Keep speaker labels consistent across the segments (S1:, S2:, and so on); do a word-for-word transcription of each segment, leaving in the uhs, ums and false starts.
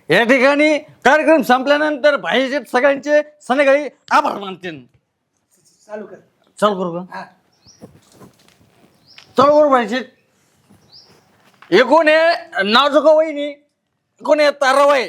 S1: या ठिकाणी कार्यक्रम संपल्यानंतर भाईचे सगळ्यांचे संध्याकाळी आभार मानतील.
S2: चालू कर.
S1: चालू करू का?
S2: हा.
S1: चालू करू भाईचे. हे कोण आहे? नाजुका वहिनी. कोण आहे? ताराबाई.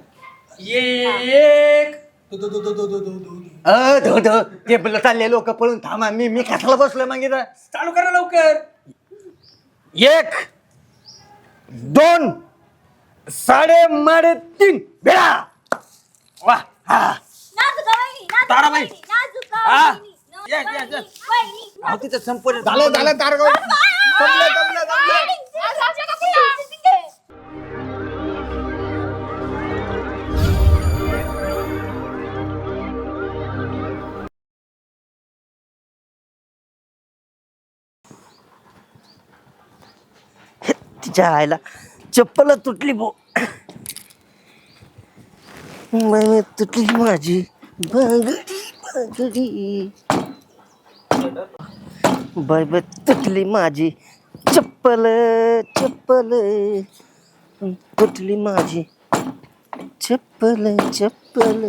S2: एक दो दो दो दो दो दो दो दो.
S1: अ धो धो ते बोल चालले लोक पळून थांबा. मी मी कशाला बसलोय मग इथं?
S2: चालू करा लवकर.
S1: एक दोन साडे माडे तीन बेळा. वा हा ताराबाई. हा. Yes, yes, yes. अहो तिथं संपूर्ण
S2: झालं झालं तारगाव. जमलं, जमलं, जमलं.
S3: तिच्या आईला चप्पल तुटली भो. मग तुटली माझी बांगडी बांगडी. बाय बाय तुटली माझी चप्पल चप्पल. तुटली माझी चप्पल चप्पल.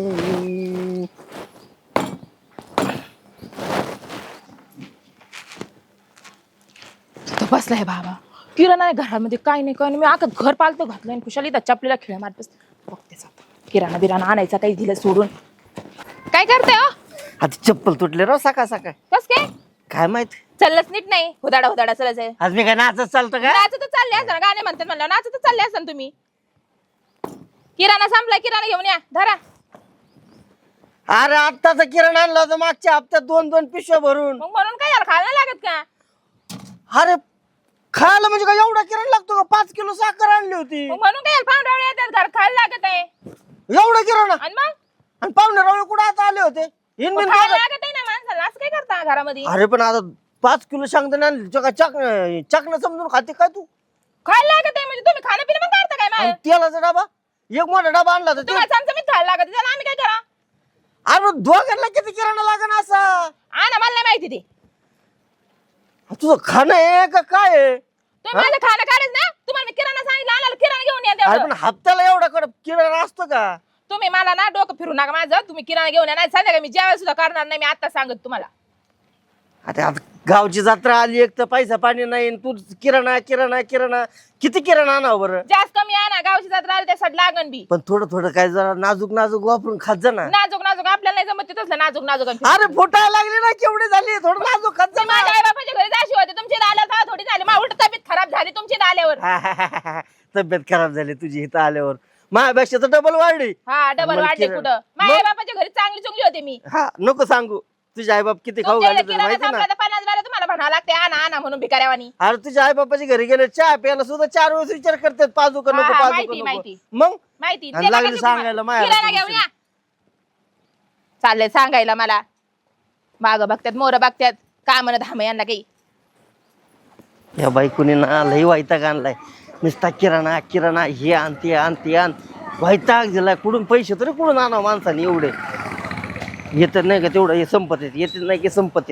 S4: तो बसलाय बाबा. किराणा आहे घरामध्ये काय नाही काय नाही. मी आता घर पालतो घातलं आणि खुशाली त्या चपलीला खिळ्या मारत बस. बघतेच आता किराणा बिराणा आणायचा काही दिलं सोडून. काय करते हो?
S3: आता चप्पल तुटले राव सकाळ सकाळ.
S4: कस काय
S3: काय माहित
S4: चाललंच नीट नाही. हुदाडा हुदाडा चालायचंय.
S3: आज मी काय नाचत चालतं का?
S4: नाचतच चालले असताना गाणे म्हणतात म्हणलं नाचतच चालले असताना तुम्ही. किराणा संपला किराणा घेऊन या धरा.
S3: अरे आत्ताचा किराणा आणला होता मागच्या हप्त्यात दोन दोन पिशव्या भरून.
S4: मग म्हणून काय झालं खायला लागत का?
S3: अरे खायला म्हणजे काय एवढा किराणा लागतो का? पाच किलो साखर आणली होती.
S4: मग म्हणून काय पाहुणे येतात घर खायला लागत आहे.
S3: एवढा किराणा
S4: आणि मग
S3: आणि पाहुणे रावळे कुठे आता आले होते? इन
S4: मग
S3: बिन
S4: खायला
S3: बघत.
S4: लागत आहे ना माणसाला. असं काय करता घरामध्ये?
S3: अरे पण आता पाच किलो शेंगदाणे आणली चका चक चकणं समजून खाते काय तू?
S4: खायला लागत आहे म्हणजे तुम्ही खाणं पिणं पण करता काय
S3: आणि
S4: माझं?
S3: तेलाचा डबा एक मोठा डबा आणला होता ते.
S4: तुम्हाला चमचमीत खायला लागत त्याला आम्ही काय करा?
S3: अरे दोघांना किती किराणा लागेल असा?
S4: आणा मला नाही माहिती ते.
S3: तुझं खाणं आहे का काय आहे?
S4: तुम्ही माझं खाणं काढच ना. तुम्हाला मी किराणा सांगितलं आणायला किराणा घेऊन या
S3: अरे
S4: तेवढं.
S3: पण हप्त्याला एवढा कडक किराणा असतो का?
S4: तुम्ही मला ना डोकं फिरू नका माझं. तुम्ही किराणा घेऊन या नाही संध्याकाळी मी जेवायला सुद्धा करणार नाही. मी आता सांगत तुम्हाला.
S3: आता आता गावची जत्रा आली एक तर पैसा पाणी नाही आणि तू किराणा किराणा किराणा किती किराणा आणावं बरं?
S4: जास्त कमी आणा. गावची जत्रा आली त्यासाठी लागन बी.
S3: पण थोडं थोडं काय जरा नाजूक नाजूक वापरून खात जा ना.
S4: नाजूक नाजूक आपल्याला नाही जमत तसलं नाजूक नाजूक. आणि
S3: अरे फुटायला लागली ना केवढी झाली थोडं नाजूक खात जा
S4: तुम्ही माझ्या आई बापाच्या घरी जाशी होते. तुमची आल्यावर थोडी झाली. माझी उलट तब्येत खराब झाली तुमची आल्यावर.
S3: ना. तब्येत खराब झाली तुझी इथं आल्यावर. माझ्यापेक्षा तर डबल वाढली.
S4: हा डबल
S3: मला
S4: वाढले
S3: किराणा-
S4: कुठं? माझ्या आई बापाच्या घरी चांगली चुंगली होते मी.
S3: हा नको सांगू. तुझे आई बाप किती खाऊ
S4: तुमच्या
S3: घालते
S4: इकडे किराणा
S3: माहिती
S4: संपला
S3: ना.
S4: तर पन्नास वेळा तुम्हाला म्हणावं लागते आणा आणा म्हणून भिकाऱ्यावानी.
S3: अरे तुझ्या आई बापाच्या घरी गेले चहा प्यायला सुद्धा चार वेळेस विचार करतात पाजू का
S4: हा,
S3: नको
S4: हा,
S3: पाजू
S4: माहिती,
S3: का
S4: माहिती.
S3: नको. मग
S4: माहिती
S3: आणि
S4: ते
S3: लागली
S4: बघायचं तुम्हाला.
S3: सांगायला माया
S4: किराणा घेऊन या. चाललंय सांगायला मला. माग बघतात मोर बघतात काय म्हणत धाम यांना काही.
S3: या बायकोनी ना लई वैताग आणलाय. नुसता किराणा किराणा हे आण ते आण ते आण वैताग दिलाय. कुठून पैसे तरी कुठून आणावं माणसाने एवढे? येत नाही का तेवढं हे संपत येत येत नाही की संपत येत.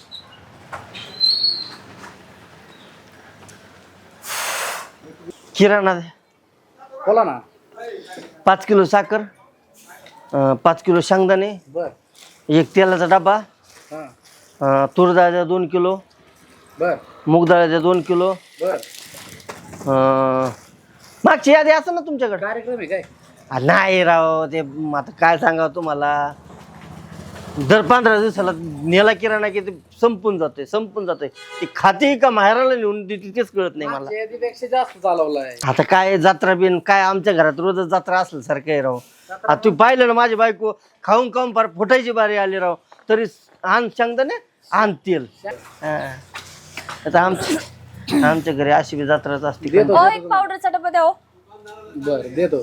S3: किराणा द्या.
S2: बोला ना.
S3: पाच किलो साखर अं, पाच किलो शेंगदाणे
S2: बर
S3: एक तेलाचा डबा
S2: हा
S3: अं, तूर डाळ्या दोन किलो
S2: बर
S3: मूग डाळ्याच्या दोन किलो
S2: बर.
S3: अं, मागची यादी असं ना तुमच्याकडे?
S2: कार्यक्रम आहे काय?
S3: आ, नाही राव ते म आता काय सांगावं तुम्हाला. दर पंधरा दिवसाला नेला किराणा की ते संपून जाते संपून जाते. ती खाते का माहेराला नेऊन देते तेच कळत नाही मला.
S2: मागच्या यादीपेक्षा जास्त चालवलाय.
S3: आता काय जत्रा बिन काय आमच्या घरात रोजच जत्रा असल्यासारखं आहे राव. आता तू पाहिलं ना माझी बायको खाऊन खाऊन फार फुटायची बारी आली राव. तरी आण शेंगदाणे आण तेल. हा. आता आमच्या आमच्या घरी अशी बी जत्राच असते.
S2: देतो.
S5: ओ एक पावडरचा डबा द्या.
S2: बर देतो.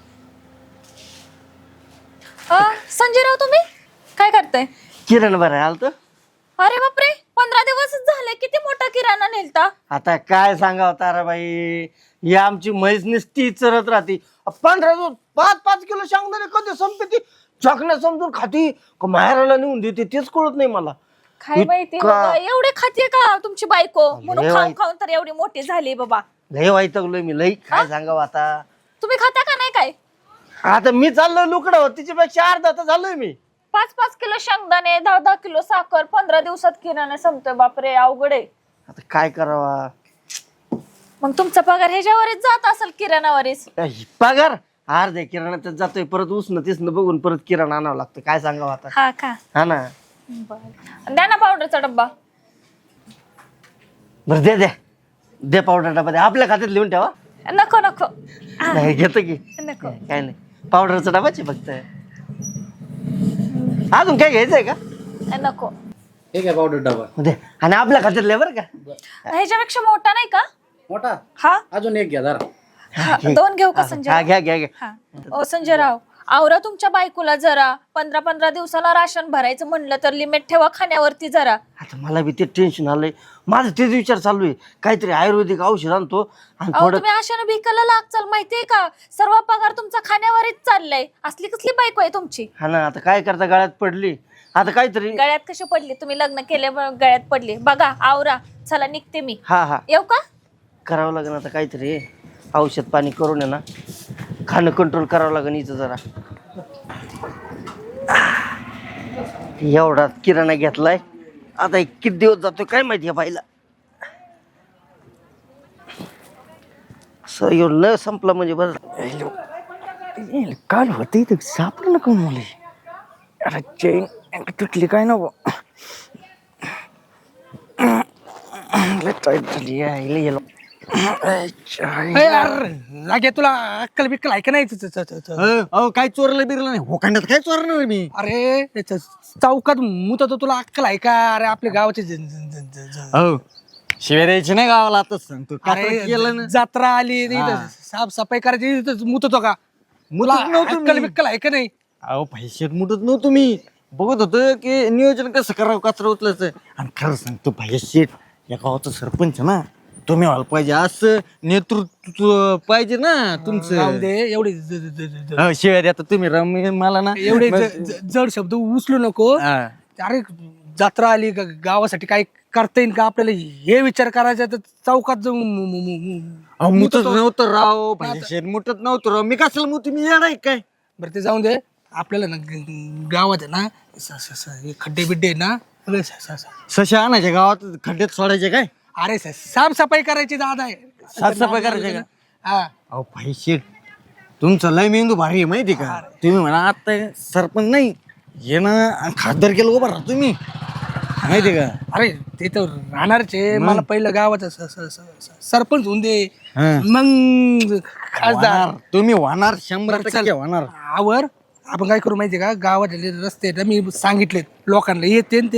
S5: संजय राव तुम्ही काय करताय?
S3: किरण बरं आलत.
S5: अरे बापरे पंधरा दिवसच झाले. किती मोठा किराणा नेलता.
S3: आता काय सांगावं ताराबाई. ही आमची म्हैस नुसती चरत राहते. पंधरा दिवस पाच पाच किलो शेंगदाणे कधी संपते. चकण्या समजून खाती का माहेराला नेऊन देते तेच कळत नाही मला.
S5: काय माहिती
S3: इतका-
S5: बाबा, एवढे खाते का तुमची बायको? म्हणून
S3: लय
S5: खाऊन
S3: वाईट.
S5: खाऊन तर एवढी मोठी झाली बाबा.
S3: लय वैतागलोय मी लई. काय सांगावं आता.
S5: तुम्ही खाता का नाही काय?
S3: आता मी चाललोय लुकडं तिच्यापेक्षा अर्धा तर झालोय मी.
S5: पाच पाच किलो शेंगदाणे, दहा दहा किलो साखर, पंधरा दिवसात किराणा संपतोय. बापरे, अवघड आहे.
S3: आता काय करावा.
S5: मग तुमचा पगार ह्याच्यावरच जात असेल, किराणावरच.
S3: पगार अर्ध्या किराणात जातोय, परत उष्ण तिसनं बघून परत किराणा आणावं लागतं. काय सांगावं आता.
S5: हा का?
S3: हा ना.
S5: बरं, द्या ना पावडरचा डब्बा.
S3: बरं दे दे दे पावडर डबा दे. आपल्या खात्यात लिहून ठेवा.
S5: नको नको
S3: नाही घेतो की.
S5: नको.
S3: काय नाही पावडरचा डबाच आहे फक्त. अजून काय घ्यायचंय का?
S5: नको.
S2: हे काय पावडर डबा
S3: दे. आणि आपल्या खात्यातले बरं का.
S5: ह्याच्यापेक्षा मोठा नाही का?
S2: मोठा
S5: हा
S2: अजून एक घ्या जरा.
S5: हा, दोन घेऊ का
S3: हा
S5: संजय?
S3: घ्या घ्या घ्या.
S5: हा. ओ संजय राव, आवरा तुमच्या बायकोला जरा. पंधरा पंधरा दिवसाला राशन भरायचं म्हणलं तर लिमिट ठेवा खाण्यावरती जरा.
S3: आता मला बी ते टेन्शन आलंय. माझं तेच विचार चालू आहे काहीतरी आयुर्वेदिक औषध आणतो आणि
S5: अहो
S3: थोडं.
S5: तुम्ही अशानं भिकायला लागचाल माहितीये का? सर्व पगार तुमचा खाण्यावरच चाललाय. असली कसली बायको आहे तुमची?
S3: हा ना आता काय करता गळ्यात पडली. आता काहीतरी.
S5: गळ्यात कशी पडली? तुम्ही लग्न केले गळ्यात पडली. बघा आवरा, चला निघते मी.
S3: हा हा
S5: येऊ का?
S3: करावं लागेल आता काहीतरी औषध पाणी करून आहे ना खाणं कंट्रोल करावं लागेल इथं जरा. एवढा किराणा घेतलाय आता एक किती दिवस जातो काय माहिती आहे बाईला. सर न संपला म्हणजे बरं. काल होते इथं सापडलं ना कोण मुली. अरे चेन तुटली काय नको. टाईट झाली आहे.
S1: लागे तुला अक्कल बिक्कल आहे का नाही? अहो काय चोरलं बिरलं नाही. होकांड्यात काय चोरणार मी? अरे त्याच्या चौकात मुत तो तुला अक्कल आहे का? अरे आपल्या गावाचे हो शिव्या द्यायची नाही गावाला. आताच सांगतो. केलं ना जत्रा आली साफसफाई करायची मुत होतो का? मुला अक्कल बिक्कल आहे का नाही? अहो पैशात मुठत नव्हतो मी. बघत होतो की नियोजन कसं करावं कचरा उचलायचं. आणि खरं सांगतो भाई शेठ या गावाचा सरपंच ना तुम्ही व्हायला पाहिजे. असं नेतृत्व पाहिजे ना तुमचं. एवढे शिवाय आता तुम्ही रमी मला ना एवढे जड शब्द उचलू नको. अरे जत्रा आली गावासाठी काय करता येईल का आपल्याला हे विचार करायचा. तर चौकात जाऊन मुतत नव्हतं राव. भाई मुठत नव्हतं राव. मी कशाला मग तुम्ही येणार काय? बरं ते जाऊन दे. आपल्याला ना गावात आहे ना खड्डे बिड्डे ना सशा आणायचे गावात खड्ड्यात सोडायचे काय? अरे साफसफाई करायची दादा आहे. साफसफाई करायची का? हा. अहो पैसे तुमचं लय मेंदू भारी आहे माहिती का? तुम्ही म्हणा आता सरपंच नाही ये ना खासदार केलं उभा राहा तुम्ही माहिती का? अरे ते तर राहणारच आहे. मला पहिलं गावाचा सरपंच होऊन दे मग खासदार. तुम्ही होणार शंभर टक्के होणार. आवर आपण काय करू माहितीये का? गावातले रस्ते ना मी सांगितलेत लोकांना येते ते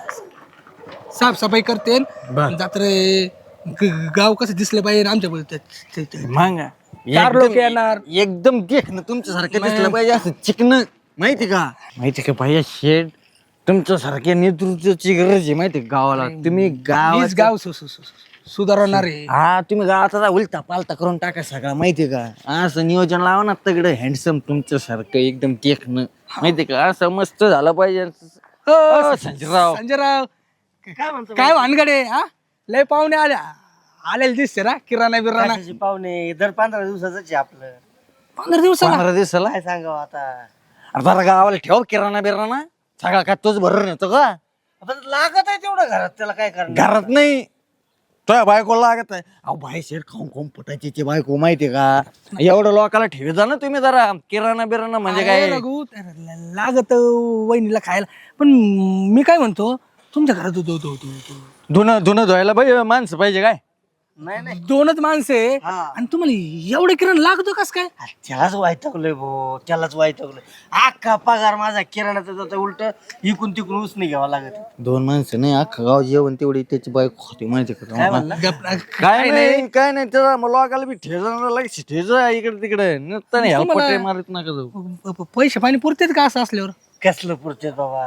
S1: साफसफाई करते. जात्रे गाव कसं दिसलं पाहिजे आमच्या चार लोक येणार. एकदम देख ना तुमच्यासारखं दिसलं पाहिजे असं चिकन माहिती का? माहिती का भाई शेठ तुमच्यासारख्या नेतृत्वाची गरज आहे माहिती गावाला. तुम्ही गाव गाव सुधारणार आहे. हा तुम्ही गावाचा उलटा पालता करून टाका सगळा माहिती का? असं नियोजन लावा ना तगडं हँडसम तुमच्यासारखं एकदम देखणं माहिती का? असं मस्त झालं पाहिजे. संजयराव संजयराव काय म्हणतो काय भानगडे? हा लय पाहुणे आल्या आलेले दिसते ना किराणा बिराणा.
S3: पाहुणे दर पंधरा दिवसाच आपलं.
S1: पंधरा दिवस पंधरा दिवसाला
S3: काय सांगावं आता.
S1: अरे जरा गावाला ठेव किराणा बिराणा सगळा काय तोच भरून येतो का?
S3: लागत आहे तेवढं घरात त्याला काय करणार.
S1: घरात नाही तो बायको लागत आहे. अहो बाई शेर खाऊन खाऊन फुटायची ती बायको माहितीये का? एवढं लोकांना ठेवी जा ना तुम्ही जरा किराणा बिराणा म्हणजे काय लागत वहिनीला खायला. पण मी काय म्हणतो तुमच्या घरात धुणं धुणं धुवायला बाई माणसं पाहिजे काय?
S3: नाही नाही
S1: दोनच माणसं आहे आणि तुम्हाला एवढं किराणा लागतो कस काय?
S3: त्यालाच वायतवलंय भो त्यालाच वायतवलंय. अख्खा पगार माझा किराणाचा जाता उलट इकून तिकून उसने घ्यावा लागत.
S1: दोन माणसं नाही अख्खा गाव जेवण तेवढी त्याची बायको होती माहिती का? काय नाही काय नाही त्याला लोकाला बी ठेजा लागेल ठेजा इकडे तिकडे नसतं नाही मारत नका जाऊ. पैसे पाणी पुरतेत का असं असल्यावर?
S3: कसलं पुरते बाबा.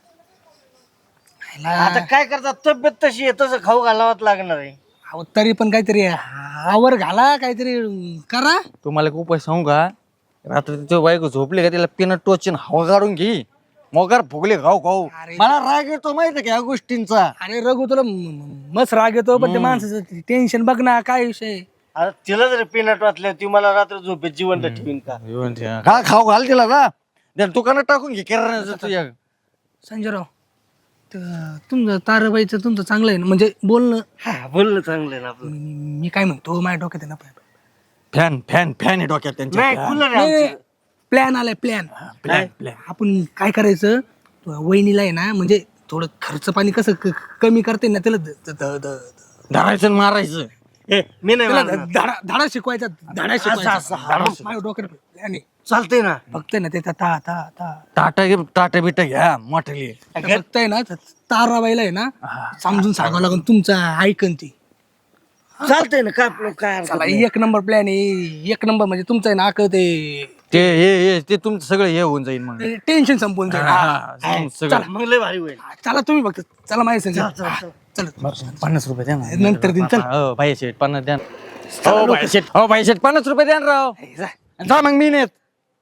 S3: आता काय करतात तब्येत तशी आहे तसं खाऊ घालावंच लागणार आहे.
S1: तरी पण काहीतरी आवर घाला काहीतरी करा. तुम्हाला खूप पैसे सांगू का? रात्री तिच्या बायको झोपली का तिला पिणं टोचून हवा काढून घे मोकार फुगले खाऊ खाऊ. मला राग येतो माहिती का या गोष्टींचा. अरे रघु तुला मस्त राग येतो पण ते माणसाचं टेन्शन बघ ना काय विषय.
S3: अरे तिला जरी पिनट वाटल्या ती मला रात्र झोपेत जिवंत ठेवीन का?
S6: का खाऊ घाल तिला का त्या दुकानात टाकून घे किराणा तुझ्या.
S1: संजयराव त- तुमचं ताराबाईचं तुमचं चांगलं आहे ना, म्हणजे बोलणं.
S3: हा बोलणं चांगलं आहे ना आपलं.
S1: मी मी काय म्हणतो माझ्या डोक्यात आहे ना
S6: फॅन फॅन फॅन आहे डोक्यात त्यांच्या.
S3: नाही कूलर आहे आमचं.
S1: प्लॅन आलाय प्लॅन.
S6: प्लॅन प्लॅन
S1: आपण काय करायचं वहिनीला आहे ना, म्हणजे थोडं खर्च पाणी कसं क- कमी करते ना त्याला द- द- द- द-
S6: धरायचं आणि मारायचं.
S3: ए, मी नाही
S1: त्याला
S3: मारणार.
S1: धडा धडा शिकवायचा धडा
S3: असं-
S1: शिकवायचा
S3: असं, हा.
S1: माझ्या डोक्यात plan आहे.
S3: चालतंय ना.
S1: फक्त ना ते ता ता ता ता
S6: टाटा घे टाटा बिटा घ्या मोठली.
S1: फक्त आहे ना त- ताराबाईला आहे ना समजून सांगावं लागून तुमचा ऐकन ती.
S3: चालतंय ना काय आपलं काय हरकत
S1: चला
S3: नाही.
S1: एक नंबर प्लॅन आहे, एक नंबर म्हणजे तुमचं आहे ना अकं ते
S6: ते हे हे ते तुमचं सगळं हे होऊन जाईल मग.
S1: टेन्शन संपून जाईल.
S6: हा,
S1: हा.
S6: हा, सगळं.
S3: मग लय भारी होईल.
S1: चला तुम्ही बघता चला माझ्या संग.
S3: चल, चल.
S1: चला
S6: पन्नास रुपये द्या ना.
S1: नंतर दिन चल.
S6: हो भाई शेठ पन्नास द्या ना. हो भाई शेठ हो भाई शेठ पन्नास रुपये द्या ना राव.
S1: जा.
S6: जा मग मी नेत.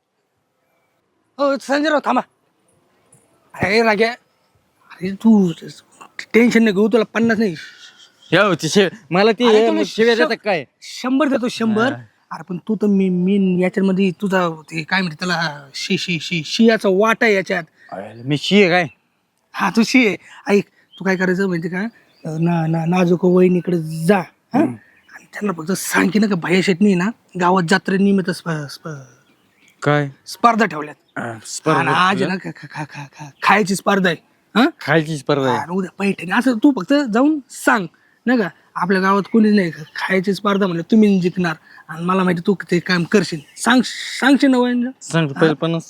S1: हो संजयराव थांबा. अरे राग्या अरे तू टेन्शन नाही घेऊ, तुला पन्नास नाही
S6: हो ते शे- मला ती
S1: अरे
S6: हे
S1: तुम्ही
S6: शिव्या
S1: श-
S6: देतात काय.
S1: शंभर देतो शंभर. अरे पण तू तर मी मी याच्यामध्ये तुझा ते काय म्हणते त्याला शी शी शी शियाचा वाटा आहे याच्यात.
S6: मी शी आहे काय.
S1: हा तू शी आहे. ऐक तू काय करायचं माहिती का, ना ना नाजूक वहिनीकडे जा हा आणि त्यांना फक्त सांग की ना का भैया शेटनी ना गावात जत्रेनिमित्त स्प- स्प-
S6: काय
S1: स्पर्धा ठेवल्यात. आणि आज आहे ना खा- खा- खा- खा- खा- खायची स्पर्धा आहे हा.
S6: खायची स्पर्धा आहे.
S1: आणि उद्या पैठणी असं तू फक्त जाऊन सांग नाही का, आपल्या गावात कोणीच नाही खायची स्पर्धा म्हणजे तुम्ही जिंकणार आणि मला माहिती तू ते काम करशील. सांग सांगशील ना वहिनीला.
S6: सांग पहिले पन्नास.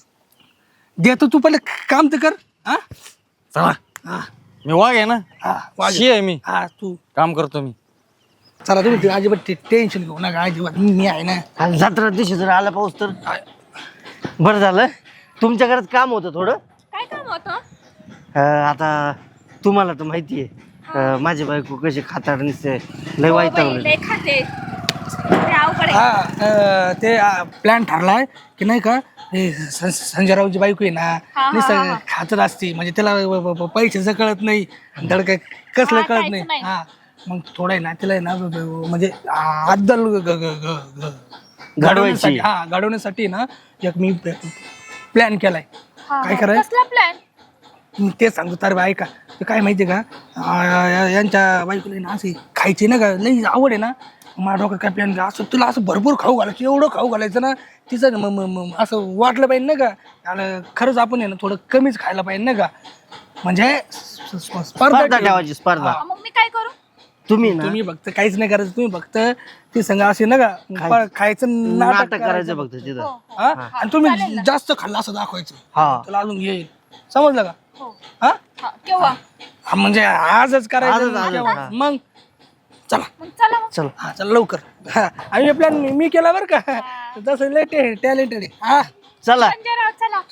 S1: देतो तू पहिले काम तर कर हा.
S6: चला
S1: हा
S6: मी वाघ आहे ना.
S1: हा वाज.
S6: शी आहे मी
S1: हा तू
S6: काम करतो मी.
S1: चला तुम्ही ते अजिबात टेन्शन घेऊ नका अजिबात, मी आहे ना.
S3: आणि जत्रा दिवशी जर आला पाऊस तर बरं झालं. तुमच्या घरात काम होतं थोडं.
S5: काय काम होतं?
S3: अं, आता तुम्हाला तर माहिती आहे माझी बायको कशी खाताड निसते लय
S5: हो
S3: वाईट
S5: बाई, लय खाते ते अवघड आहे.
S1: हा अं, ते प्लॅन ठरलाय की नाही का, हे सं- संजयरावची बायको आहे ना
S5: हा,
S1: नुसतं खातच असते, म्हणजे त्याला व- व- व- पैशाचं कळत नाही धड काय कसलं
S5: हा,
S1: कळत
S5: काहीच
S1: नाही.
S5: नाही.
S1: हा मग थोडं आहे ना तिला आहे ना व- व- म्हणजे आदल ग- ग- ग- ग-
S3: घडवायची.
S1: घडवण्यासाठी हा घडवण्यासाठी ना एक मी प्लॅन केलाय.
S5: हा,
S1: काय
S5: हा.
S1: करायचं
S5: कसला प्लॅन?
S1: मी तेच सांगतो तर बा ऐका ते काय माहिती का, आ, या- यांच्या बायकोला आहे ना असे खायचे ना का लई आवड आहे ना. माझ्या डोक्यात काय प्लॅन असं तुला असं भरपूर खाऊ घालायचं, एवढं खाऊ घालायचं ना तिचं म- म- म- असं वाटलं पाहिजे ना का, आणि खरंच आपण आहे ना थोडं कमीच खायला पाहिजे ना का, म्हणजे स- स- स्पर्धा
S3: स्पर्धा
S1: ठेवू.
S3: ठेवायची स्पर्धा.
S1: हा.
S5: मग मी काय करू?
S3: तुम्ही ना
S1: तुम्ही फक्त काहीच नाही करायचं, तुम्ही फक्त ती संग असे ना का प- खायचं नाटक
S3: नाटक करायचं फक्त तिथं.
S1: हा? आणि तुम्ही जास्त खाल्लं असं दाखवायचं
S3: हा
S1: तुला अजून येईल. समजलं का
S5: हो.
S1: हा
S5: हा, केव्हा?
S1: हा, म्हणजे आजच
S3: आजच,
S1: करायचं
S3: आजच,
S1: केव्हा?
S3: हा.
S1: मग चला
S5: मग चला मग.
S3: चल
S1: हा चल लवकर. हा आणि प्लॅन मी केला बरं का, तसं लय टॅलेंटेड आहे. हा
S3: चला.
S5: संजयराव चला.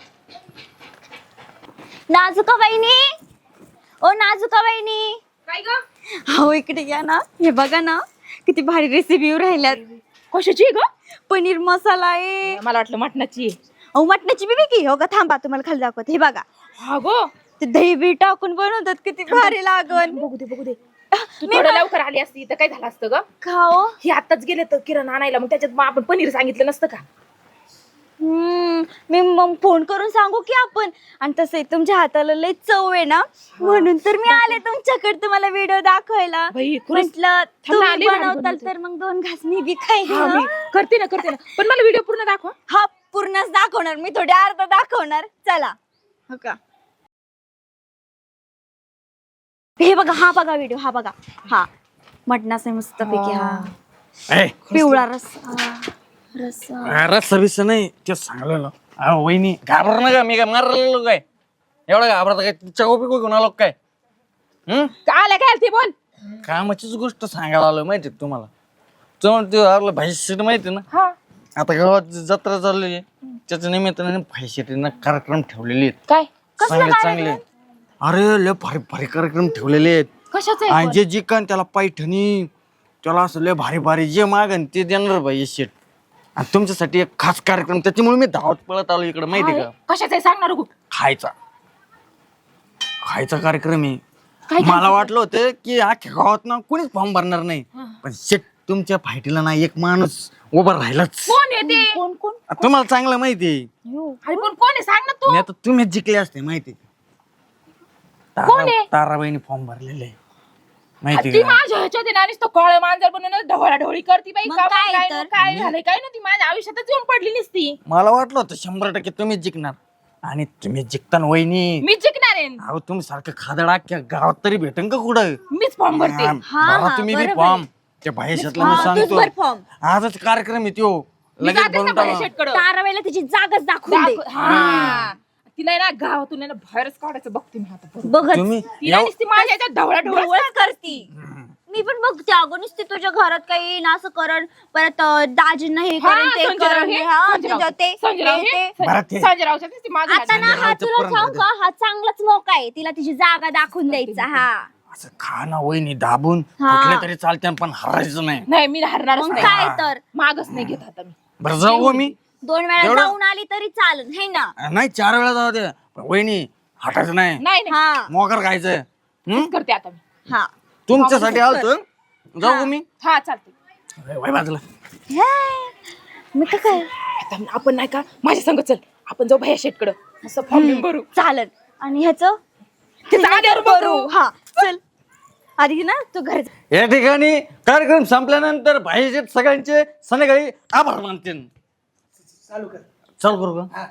S7: नाजुका बहिणी, ओ नाजुका बहिणी,
S5: काय ग?
S7: हो इकडे या ना. हे बघा ना किती भारी रेसिपी राहिल्यात.
S4: कशाची ग?
S7: पनीर मसाला आहे.
S4: मला वाटलं मटणाची आहे.
S7: अहो मटणाची बिबी की हो का, थांबा तुम्हाला खाली दाखवते. हे बघा
S4: हा गो.
S7: ते दही बी टाकून बनवतात, किती भारी लागन.
S4: बघू दे बघू दे. तू थोडं लवकर आली असती तर काय झालं असतं ग.
S7: खाओ.
S4: हे आताच गेले तर किराणा आणायला, मग त्याच्यात मग आपण पनीर सांगितलं नसतं का.
S7: हम्म मी मग फोन करून सांगू की आपण. आणि तसंही तुमच्या हाताला लय चव आहे ना, म्हणून तर मी आले तुमच्याकडे तुम्हाला व्हिडिओ दाखवायला.
S4: बाई, खरंच.
S7: म्हटलं
S4: थांब ना,
S7: तुम्ही
S4: आली भारी
S7: बनवताल
S4: बनवते.
S7: तर मग दोन घास मी बी खाईन.
S4: हा, मी
S7: हं?
S4: करते ना करते ना, पण मला व्हिडिओ पूर्ण दाखव.
S7: हा पूर्णच दाखवणार मी, थोडे अर्धा दाखवणार. चला हो का. हे बघा, हा बघा व्हिडिओ, हा बघा. हा मटणाचा मस्त पैकी. हा
S6: ए,
S7: पिवळा रस्सा रस्सा.
S6: रस्सा बिस्सा नाही ते सांगलं ना. अहो वहिनी घाबर ना का, मी काय मारलेलो काय एवढा घाबरता काय. चको पिको घेऊन आलो काय. हम्म
S4: आल्या काय ते बोल.
S6: कामाचीच गोष्ट सांगायला आलो माहिती आहे तुम्हाला. चवण ते आपलं भाईशीट माहिती आहे ना.
S4: हा
S6: आता गावात जत्रा चालली आहे, त्याच्या निमित्ताने भाईशीटीनं कार्यक्रम ठेवलेले आहेत.
S4: काय
S6: चांगले चांगले. अरे लय भारी भारी कार्यक्रम ठेवलेले आहेत.
S4: कशाचं
S6: आणि जे जिकन त्याला पैठणी, त्याला असं लय भारी भारी जे मागन ते देणार भाई शेट. आणि तुमच्यासाठी एक खास कार्यक्रम, त्याच्यामुळे मी धावत पळत आलो इकडे माहिती आहे का.
S4: कशाचं आहे सांगणार गो.
S6: खायचा खायचा कार्यक्रम आहे.
S4: काय
S6: मला वाटलं होतं की अख्ख्या गावात ना कोणीच फॉर्म भरणार नाही, पण शेट तुमच्या फायटीला ना एक माणूस उभा राहिलाच.
S4: कोण आहे ते?
S7: कोण कोण
S6: तुम्हाला चांगलं माहिती आहे.
S4: अरे पण कोण आहे सांग ना तू.
S6: मी आता तुम्हीच जिंकले असते माहिती आहे.
S4: कोण आहे?
S6: तारा- ताराबाईने फॉर्म भरलेले आहे. माहिती
S4: ती
S6: का?
S4: माझ्या ह्याच्यात आहे ना नुसतं काळं मांजर बनवून ढवळा ढवळी करती बाई.
S7: मग
S4: का
S7: काय
S4: काय
S7: तर?
S4: काय झालंय काय नव्हती माझ्या आयुष्यातच येऊन पडली नसती.
S6: मला वाटलं होतं शंभर टक्के तुम्हीच जिंकणार आणि तुम्ही जिंकताना वहिनी.
S4: मी जिंकणार आहे.
S6: अहो तुम्ही सारखं खादड अख्ख्या गावात तरी भेटन का कुठं?
S4: मीच फॉर्म भरते.
S6: हा,
S7: हा,
S6: भरा तुम्ही बी
S7: बरोबर.
S6: फॉर्म त्या भाईशातला मी
S7: हा, तूच
S6: सांगतो
S7: भर फॉर्म.
S6: आजच कार्यक्रम आहे त्यो
S4: मी
S6: लगेच
S4: जातेच ना
S6: भरून टाका.
S4: शेटकडं.
S7: ताराबाईला तिची जागाच दाखवून दे.
S4: हा तिला आहे ना गावातून आहे ना बाहेरच काढायचं बघते मी आता बरोबर.
S7: बघत
S6: तुम्ही
S4: तिला
S6: एव-
S4: नुसती माझ्या ह्याच्यात ढवळा ढवळा
S7: ढवळच करती. मी पण बघते अगं नुसती तुझ्या घरात काही येईन असं करण परत अं, दाजींना हे करण ते करण हे, हा, तुझं ते ते.
S6: बरं ते
S4: संजयरावच्या नुसती माझ्या
S7: आता ना हा
S6: रावचं
S7: तुला
S6: पण
S7: सांग का हा चांगलाच मौका आहे तिला तिची जागा दाखवून द्यायचा. हा
S6: असं खा ना वहिनी दाबून
S7: हा.
S6: कुठले तरी चालते पण हरायचं नाही.
S4: नाही मी हरणारच
S7: मग
S4: नाही.
S7: काय तर
S4: मागच नाही घेत आता मी.
S6: बरं जाऊ हो मी
S7: दोन वेळा
S6: एवढं?
S7: जाऊन आली तरी चालेल हे ना.
S6: नाही चार वेळा जाऊ दे पण वहिनी हटायचं नाही.
S4: नाही नाही
S7: हा
S6: मोकर खायचं. हं?
S4: करते आता मी.
S7: हा
S6: तुमच्यासाठी आलतो जाऊ हो मी
S4: हा चालते.
S6: वय बाजूला.
S7: हे, मी तर काय
S4: आता आपण नाही का माझ्या संग चल आपण जाऊ भैया शेटकडं मस्त फॉर्म भरू.
S7: चालेल आणि ह्याच
S4: तिचं आधार भरू.
S7: हा चल आधी ना तू घर
S6: या ठिकाणी कार्यक्रम संपल्यानंतर भाईचे सगळ्यांचे संध्याकाळी आभार मानते.
S1: चालू कर.
S6: चल करू का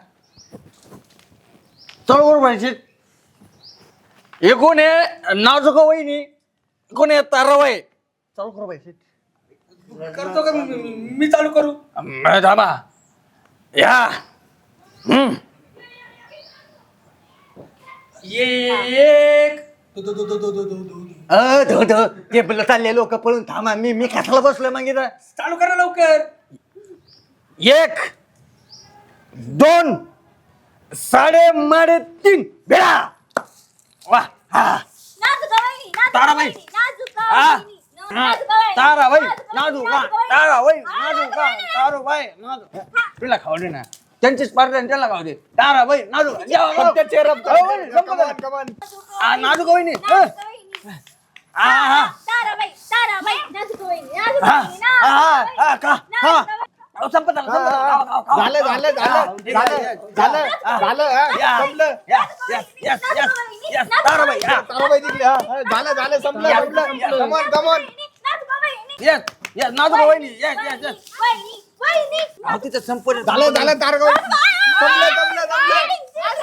S6: चल करू भाईचे. हे कोण आहे नाजूक वहिनी कोण आहे ताराबाई. चालू करू भाईचे.
S1: करतो का मी- मी मी चालू करू.
S6: दाबा या. हम्म.
S1: एक दो- दो- दो- दो- दो- दो- दो- दो- दो.
S6: अ, धो, धो. ते बोलले चालले लोक पळून थांबा मी मी कशाला बसलोय मग इथं.
S1: चालू करा लवकर.
S6: एक दोन साडे माडे तीन बेळा वा हा ताराबाई. हा. हा. ताराबाई नाजू का ताराबाई नाजू का ताराबाई नाजू तुला खाऊ दे ना त्यांचीच पार्टी त्याला खाऊ दे. ताराबाई नाजू का. या, या. हो, वहिनी, संपलं झालं. हा, नाजू का वहिनी हं. हा हा
S7: ताराबाई ताराबाई नाजूक वहिनी, नाजूक
S6: हा
S7: वहिनी,
S6: हा
S7: नाजूक
S6: हा का हा अहो, संपत झालं संपत झालं. खाऊ, खाऊ, खाऊ.
S8: झालं झालं झालं झालं झालं झालं हा,
S6: या.
S8: संपलं
S6: Yes, yes, yes, yes, yes. Tarabai, हा.
S8: ताराबाई जिंकली हा हा, झालं झालं संपलं
S6: या,
S8: संपलं कमॉन कमॉन
S7: नाजूक वहिनी,
S6: Yes, yes, नाजूक वहिनी. Yes, yes, yes.
S7: वहिनी, वहिनी.
S6: अहो, तिचं संपलं.
S8: झालं झालं तारगाव संपलं संपलं संपलं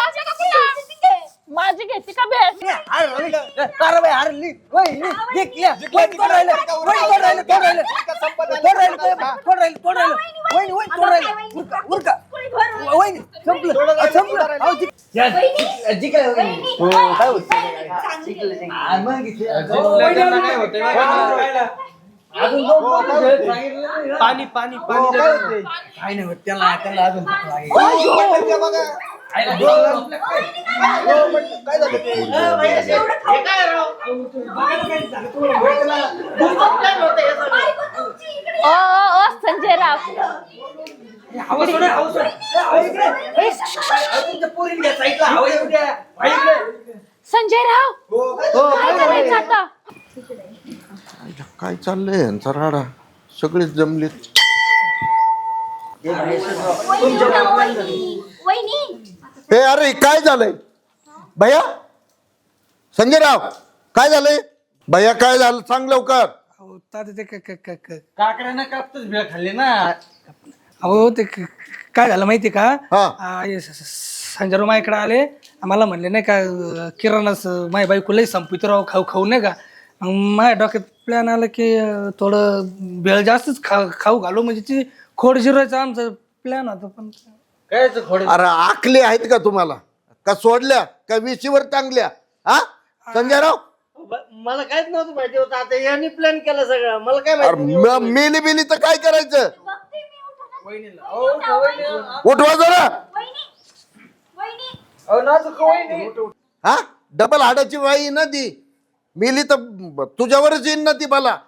S4: माझी घेते का भेट.
S6: हरली. ताराबाई हरली. वहिनी, जिंकल्या. वहिनी, कोण राहिलं? वहिनी, कोण राहिलं? कोण राहिलं? कोण राहिलं? कोण राहिलं? कोण राहिलं? वहिनी, वहिनी, कोण राहिलं? उरका, उरका. वहिनी, संपलं. अहो, संपलं. अहो, जिंक- Yes, जिंक- जिंकल्या वहिनी. हो, काय होतं? आ, मग जिंकल्या. अजून दोन पोरं आहेत. सांगितलं नाही ना.
S8: पाणी पाणी पाणी
S6: हो, काय होतंय? काय नाही होत त्याला त्याला अजून भूक लागेल.
S8: बघा
S6: आईला दोन-
S8: काय झालं ते
S4: ओ ओ ओ, संजयराव
S6: आवाज सोडा, आवाज सोडा. ए, आवाज इकडे. ए, अहो, तुमच्या पोरीला घ्या साईडला. आवाज येऊ द्या. बाई इकडे.
S4: संजयराव काय करायचं आता.
S9: काय चाललंय यांचा राडा सगळेच जमलेत.
S7: वहिनी
S9: हे अरे काय झालंय भैया संजयराव काय झालंय भैया काय झालं सांग लवकर.
S1: अहो तात्या ते क- क- क- क-
S6: काकड्यानं कापतच भेळ खाल्ली ना.
S1: अहो ते क- काय झालं माहिती का
S9: हा.
S1: आ, हे स- स- संजय मायाकडे आले आम्हाला म्हणले नाही का अं, किराणाच माझ्या बायकोलाही संपवित राव खाऊ खाऊ नाही का मग माझ्या डोक्यात प्लॅन आला की अं, थोडं भेळ जास्तच खा खाऊ घालू म्हणजे ती खोड जिरवायचा आमचा प्लॅन होता पण
S6: काय खोड
S9: अरे आखले आहेत का तुम्हाला का सोडल्या का विशीवर टांगल्या हा संजयराव.
S3: मला काहीच नव्हतं माहिती होतं आता यांनी प्लॅन केलं सगळं मला काय
S9: अरे
S3: माहिती
S9: म- मेली बिली तर काय करायचं उठवा जरा हा डबल हाडाची बाई ना ती मेली तर तुझ्यावरच येईन ना ती मला.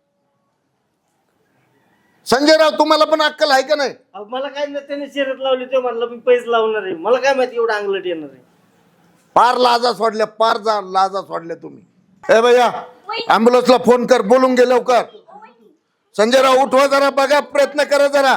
S9: संजयराव तुम्हाला पण अक्कल आहे का नाही.
S3: अहो, मला काय नाही त्याने शर्यत लावली ते म्हणलं मी पैसे लावणार आहे मला काय माहिती एवढं अंगलट येणार आहे.
S9: पार लाजा सोडल्या पार जा लाजा सोडल्या तुम्ही. ए भैया ऍम्ब्युलन्सला फोन कर बोलून गे लवकर. संजयराव उठवा जरा, बघा प्रयत्न करा जरा.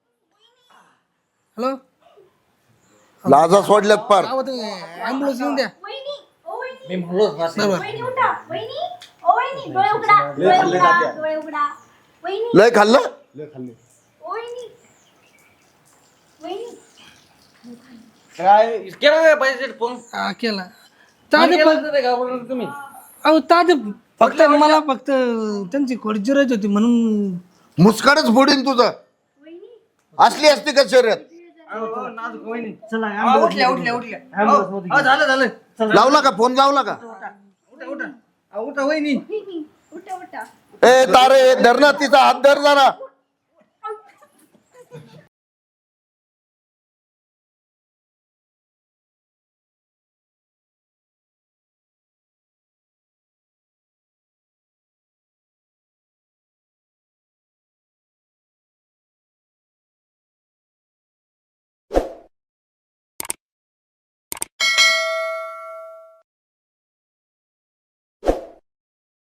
S1: हॅलो
S9: लाजा सोडल्यात पार.
S1: ऍम्ब्युलन्स येऊन द्या.
S7: वहिनी, ओ वहिनी,
S2: मी म्हणलो ना,
S1: बरोबर.
S7: वहिनी उठा, वहिनी, ओ वहिनी, डोळे उघडा, डोळे उघडा, डोळे उघडा. वहिनी,
S9: लय खाल्लं.
S7: ओ वहिनी, वहिनी.
S2: काय केला काय पाहिजे फोन
S1: हा, केला ताजे फक्त
S2: घाबरला तुम्ही
S1: अहो ताजे फक्त मला फक्त त्यांची खोडजिरायची होती म्हणून.
S9: मुस्काडच फोडीन तुझं. असली असती का शर्यत.
S3: चला
S1: हा, उठल्या उठल्या उठल्या
S3: ambulance मध्ये
S1: हा, झालं झालं
S9: लावला का फोन, लावला का.
S1: उठा उठा अहो, उठा वहिनी.
S7: वहिनी, उठा उठा.
S9: ए तारे धरणा तिचा हात धर जरा.